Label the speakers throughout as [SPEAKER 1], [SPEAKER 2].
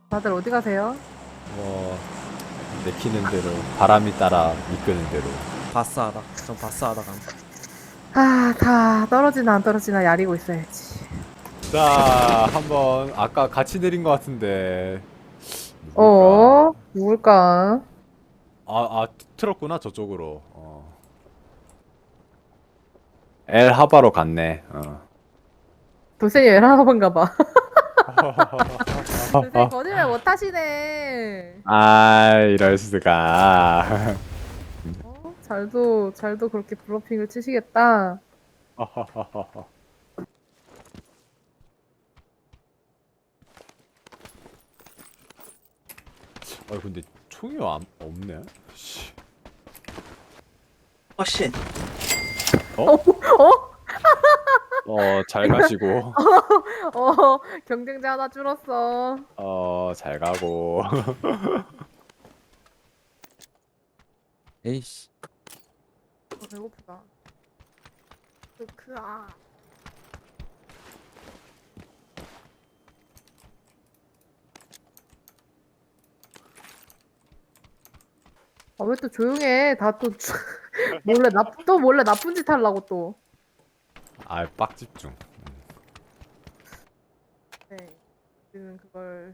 [SPEAKER 1] 다들 어디 가세요?
[SPEAKER 2] 뭐 내키는 대로 바람이 따라 이끄는 대로.
[SPEAKER 3] 바스하다. 전 바스하다 감.
[SPEAKER 1] 아, 다 떨어지나 안 떨어지나 야리고 있어야지.
[SPEAKER 2] 자, 한번 아까 같이 내린 것 같은데 누굴까?
[SPEAKER 1] 누굴까?
[SPEAKER 2] 틀었구나 저쪽으로. 엘 하바로 갔네.
[SPEAKER 1] 돌쇠이 외라나본가 봐. 돌쇠이 거짓말 못 하시네.
[SPEAKER 2] 이럴 수가.
[SPEAKER 1] 잘도 그렇게 블러핑을 치시겠다.
[SPEAKER 2] 근데 총이 없네. 씨.
[SPEAKER 3] 쉣.
[SPEAKER 2] 잘 가시고.
[SPEAKER 1] 경쟁자 하나 줄었어.
[SPEAKER 2] 잘 가고.
[SPEAKER 3] 에이씨.
[SPEAKER 1] 배고프다. 아. 왜 또 조용해? 다 또 몰래 나쁜 짓 하려고 또.
[SPEAKER 2] 빡 집중.
[SPEAKER 1] 네. 지금 그걸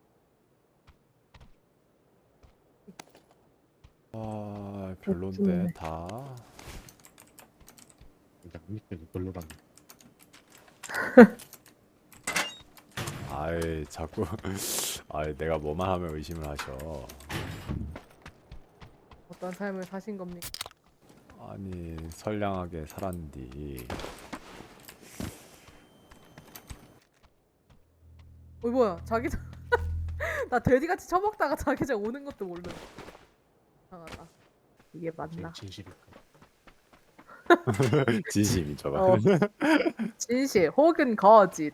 [SPEAKER 2] 별론데 다.
[SPEAKER 4] 밑에서 별로 갔네.
[SPEAKER 2] 자꾸. 내가 뭐만 하면 의심을 하셔.
[SPEAKER 1] 어떤 삶을 사신 겁니까?
[SPEAKER 2] 아니, 선량하게 살았는디.
[SPEAKER 1] 뭐야? 자기장 나 돼지같이 처먹다가 자기장 오는 것도 모르는. 이상하다. 이게 맞나?
[SPEAKER 4] 진실일까?
[SPEAKER 2] 진심이죠.
[SPEAKER 1] 어. 진실 혹은 거짓.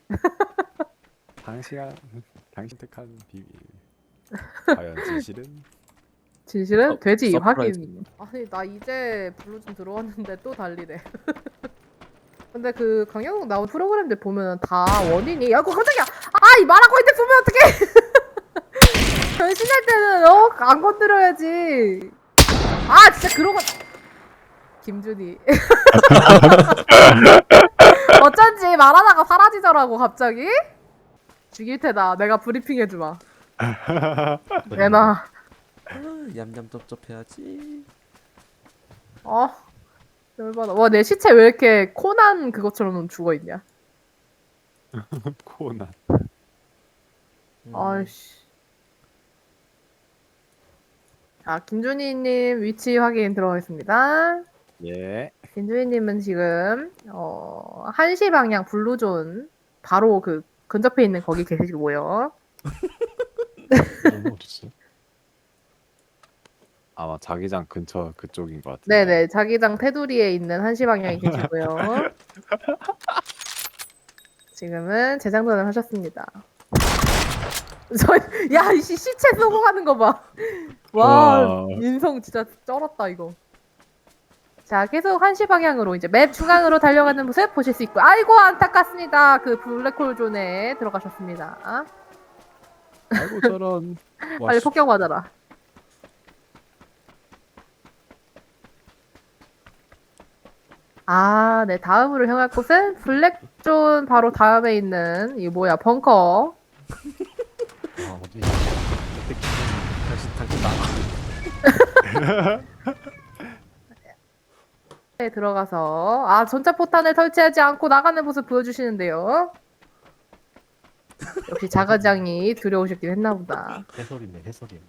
[SPEAKER 2] 당신 택한 비밀. 과연 진실은?
[SPEAKER 1] 진실은 돼지
[SPEAKER 3] 서프라이즈.
[SPEAKER 1] 확인. 아니 나 이제 블루 좀 들어왔는데 또 달리네. 근데 그 강영욱 나온 프로그램들 보면 다 원인이 야구 깜짝이야. 이 말하고 있는데 보면 어떡해. 변신할 때는 안 건드려야지. 진짜 그런 거. 김준희. 어쩐지 말하다가 사라지더라고 갑자기. 죽일 테다. 내가 브리핑 해주마. 내놔.
[SPEAKER 3] 얌얌 쩝쩝해야지.
[SPEAKER 1] 열받아. 와, 내 시체 왜 이렇게 코난 그것처럼 죽어있냐?
[SPEAKER 2] 코난.
[SPEAKER 1] 아이씨. 자, 김준희님 위치 확인 들어가겠습니다.
[SPEAKER 2] 예.
[SPEAKER 1] 김준희님은 지금 1시 방향 블루존 바로 그 근접해 있는 거기 계시고요.
[SPEAKER 4] 너무 어딨어?
[SPEAKER 2] 아마 자기장 근처 그쪽인 것 같은데.
[SPEAKER 1] 네네, 자기장 테두리에 있는 1시 방향에 계시고요. 지금은 재장전을 하셨습니다. 야, 이 시체 쏘고 가는 거 봐. 와, 인성 진짜 쩔었다 이거. 자, 계속 1시 방향으로 이제 맵 중앙으로 달려가는 모습 보실 수 있고, 아이고 안타깝습니다. 그 블랙홀 존에 들어가셨습니다.
[SPEAKER 2] 아이고 저런.
[SPEAKER 1] 빨리 폭격 맞아라. 네, 다음으로 향할 곳은 블랙존 바로 다음에 있는 이 뭐야 벙커.
[SPEAKER 4] 어디?
[SPEAKER 3] 당신 나가.
[SPEAKER 1] 에 들어가서 전자포탄을 설치하지 않고 나가는 모습 보여주시는데요. 역시 자가장이 두려우셨긴 했나보다.
[SPEAKER 4] 해설이네, 해설이야.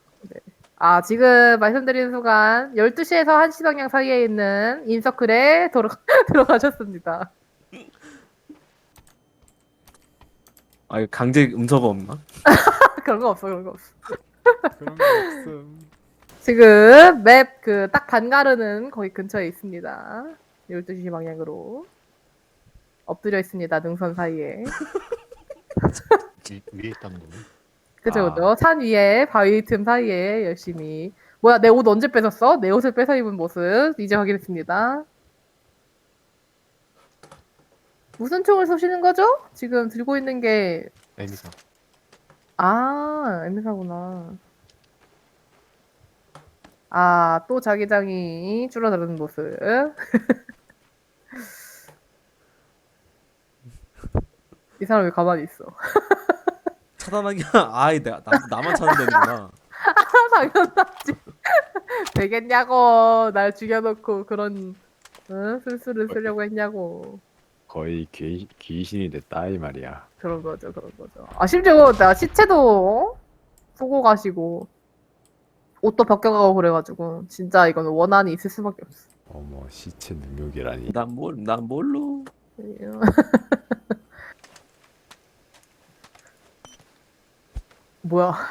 [SPEAKER 1] 지금 말씀드린 순간 12시에서 1시 방향 사이에 있는 인서클에 들어가셨습니다.
[SPEAKER 3] 강제 음소거 없나?
[SPEAKER 1] 그런 거 없어, 그런 거 없어.
[SPEAKER 2] 그런 거 없음.
[SPEAKER 1] 지금 맵 그 딱 반가르는 거기 근처에 있습니다. 12시 방향으로 엎드려 있습니다. 능선 사이에.
[SPEAKER 4] 위에 있다는 거네.
[SPEAKER 1] 그죠. 산 위에 바위 틈 사이에 열심히. 뭐야, 내 옷 언제 뺏었어? 내 옷을 뺏어 입은 모습 이제 확인했습니다. 무슨 총을 쏘시는 거죠? 지금 들고 있는 게
[SPEAKER 4] 에미사.
[SPEAKER 1] 아, 애미사구나. 아, 또 자기장이 줄어드는 모습. 이 사람 왜 가만히 있어?
[SPEAKER 3] 차단하기 아이 나만 차면 되는구나.
[SPEAKER 1] 당연하지. 되겠냐고. 날 죽여놓고 그런 술수를 쓰려고 했냐고.
[SPEAKER 2] 거의 귀신이 됐다 이 말이야.
[SPEAKER 1] 그런 거죠, 그런 거죠. 아, 심지어 나 시체도 쏘고 가시고 옷도 벗겨가고 그래가지고 진짜 이건 원한이 있을 수밖에 없어.
[SPEAKER 2] 어머 시체 능력이라니.
[SPEAKER 3] 난 뭘로?
[SPEAKER 1] 뭐야?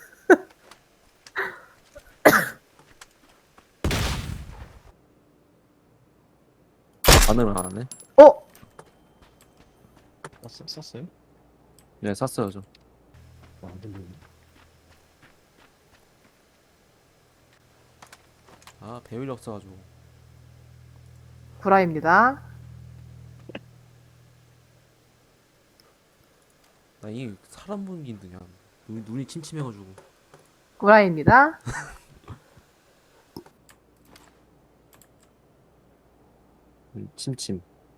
[SPEAKER 3] 반응을 안 하네.
[SPEAKER 1] 어?
[SPEAKER 4] 썼어요?
[SPEAKER 3] 네, 샀어요 저.
[SPEAKER 4] 안 들리네.
[SPEAKER 3] 아 배율이 없어가지고.
[SPEAKER 1] 구라입니다.
[SPEAKER 3] 나 이 사람 보는 게 힘드냐. 눈이 침침해가지고.
[SPEAKER 1] 구라입니다.
[SPEAKER 3] 침침.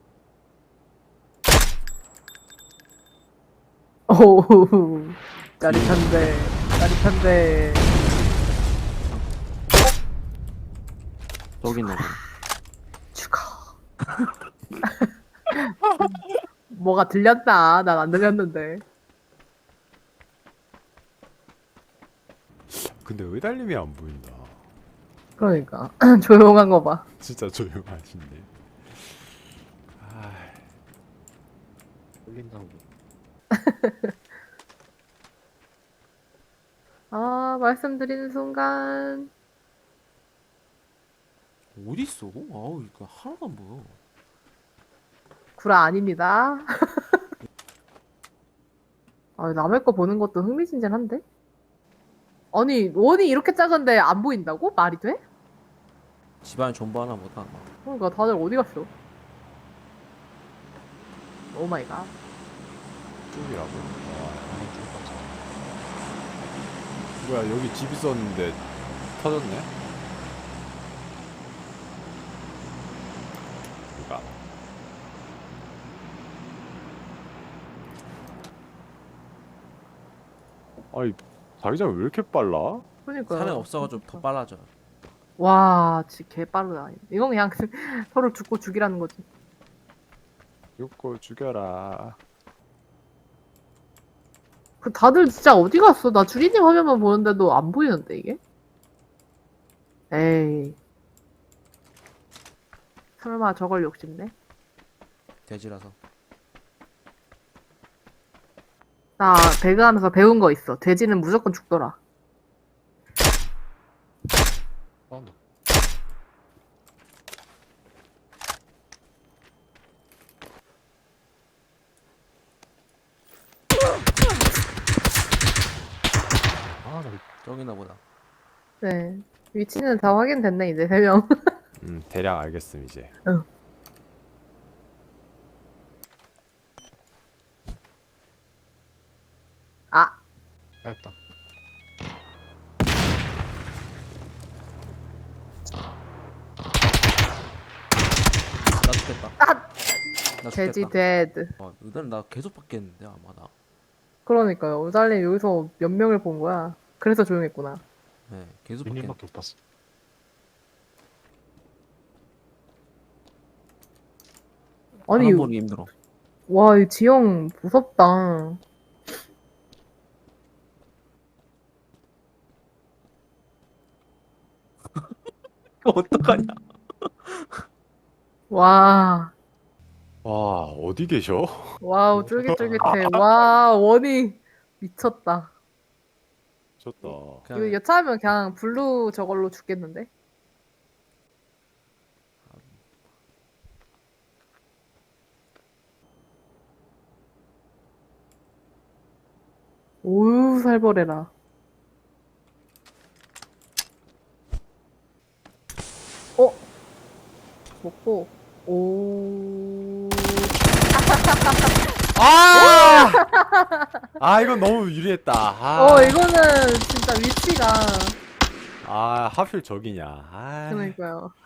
[SPEAKER 1] 오, 짜릿한데, 짜릿한데.
[SPEAKER 3] 저기 있나 봐.
[SPEAKER 1] 죽어. 뭐가 들렸나? 난 안 들렸는데.
[SPEAKER 2] 근데 왜 달림이 안 보인다.
[SPEAKER 1] 그러니까 조용한 거 봐.
[SPEAKER 2] 진짜 조용하신데. 아,
[SPEAKER 4] 돌린다고.
[SPEAKER 1] 아, 말씀드리는 순간
[SPEAKER 3] 어디 있어? 아우 이거 하나도 안 보여.
[SPEAKER 1] 구라 아닙니다. 아, 남의 거 보는 것도 흥미진진한데? 아니, 원이 이렇게 작은데 안 보인다고? 말이 돼?
[SPEAKER 3] 집안에 전부 하나 보다. 아마.
[SPEAKER 1] 그러니까 다들 어디 갔어? 오 마이 갓.
[SPEAKER 2] 쪽이라고.
[SPEAKER 4] 아니, 들어갔어.
[SPEAKER 2] 뭐야 여기 집 있었는데 터졌네. 누가? 아니 자기장 왜 이렇게 빨라?
[SPEAKER 1] 그러니까.
[SPEAKER 3] 산에 없어가지고 더 빨라져.
[SPEAKER 1] 와, 진짜 개 빠르다. 이건 그냥 서로 죽고 죽이라는 거지.
[SPEAKER 2] 욕고 죽여라.
[SPEAKER 1] 그 다들 진짜 어디 갔어? 나 주리님 화면만 보는데도 안 보이는데 이게? 에이. 설마 저걸 욕심내?
[SPEAKER 3] 돼지라서.
[SPEAKER 1] 나 배그하면서 배운 거 있어. 돼지는 무조건 죽더라.
[SPEAKER 4] 사운드. 아, 나
[SPEAKER 3] 저기나 보다.
[SPEAKER 1] 네. 위치는 다 확인됐네, 이제 3명.
[SPEAKER 2] 대략 알겠음 이제.
[SPEAKER 1] 아,
[SPEAKER 4] 짧다.
[SPEAKER 3] 나 죽겠다.
[SPEAKER 1] 아!
[SPEAKER 3] 나
[SPEAKER 1] 돼지
[SPEAKER 3] 죽겠다.
[SPEAKER 1] 데드.
[SPEAKER 3] 이건 나 계속 받겠는데 아마 나.
[SPEAKER 1] 그러니까요. 우달님 여기서 몇 명을 본 거야? 그래서 조용했구나.
[SPEAKER 3] 네, 계속 받겠는데.
[SPEAKER 4] 윤님밖에 못 봤어.
[SPEAKER 1] 아니,
[SPEAKER 3] 사람 보기 힘들어.
[SPEAKER 1] 와, 이 지형 무섭다.
[SPEAKER 3] 어떡하냐?
[SPEAKER 1] 와,
[SPEAKER 2] 와 어디 계셔?
[SPEAKER 1] 와우, 쫄깃쫄깃해. 와, 원이 미쳤다.
[SPEAKER 2] 좋다.
[SPEAKER 1] 이거 여차하면 그냥 블루 저걸로 죽겠는데? 오우, 살벌해라. 어? 먹고, 오.
[SPEAKER 2] 아! 아 이건 너무 유리했다.
[SPEAKER 1] 이거는 진짜 위치가
[SPEAKER 2] 아 하필 저기냐. 아.
[SPEAKER 1] 그러니까요.